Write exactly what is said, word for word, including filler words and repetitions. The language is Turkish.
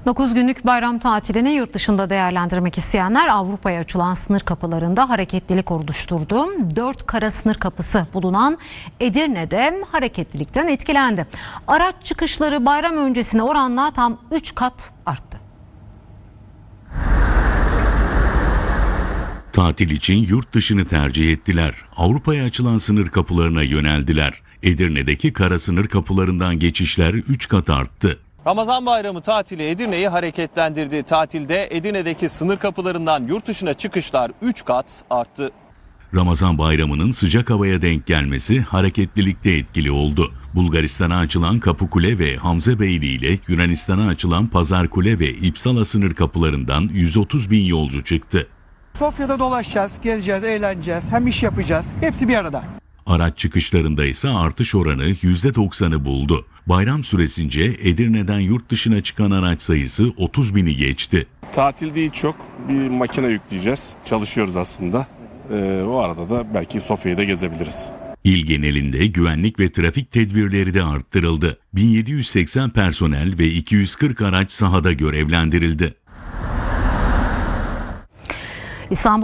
dokuz günlük bayram tatilini yurt dışında değerlendirmek isteyenler Avrupa'ya açılan sınır kapılarında hareketlilik oluşturdu. Dört kara sınır kapısı bulunan Edirne'de hareketlilikten etkilendi. Araç çıkışları bayram öncesine oranla tam üç kat arttı. Tatil için yurt dışını tercih ettiler. Avrupa'ya açılan sınır kapılarına yöneldiler. Edirne'deki kara sınır kapılarından geçişler üç kat arttı. Ramazan bayramı tatili Edirne'yi hareketlendirdi. Tatilde Edirne'deki sınır kapılarından yurt dışına çıkışlar üç kat arttı. Ramazan bayramının sıcak havaya denk gelmesi hareketlilikte etkili oldu. Bulgaristan'a açılan Kapıkule ve Hamzabeyli ile Yunanistan'a açılan Pazarkule ve İpsala sınır kapılarından yüz otuz bin yolcu çıktı. Sofya'da dolaşacağız, gezeceğiz, eğleneceğiz, hem iş yapacağız. Hepsi bir arada. Araç çıkışlarında ise artış oranı yüzde doksanı buldu. Bayram süresince Edirne'den yurt dışına çıkan araç sayısı otuz bini geçti. Tatil değil, çok bir makine yükleyeceğiz. Çalışıyoruz aslında. Ee, o arada da belki Sofya'yı da gezebiliriz. İl genelinde güvenlik ve trafik tedbirleri de arttırıldı. bin yedi yüz seksen personel ve iki yüz kırk araç sahada görevlendirildi. İstanbul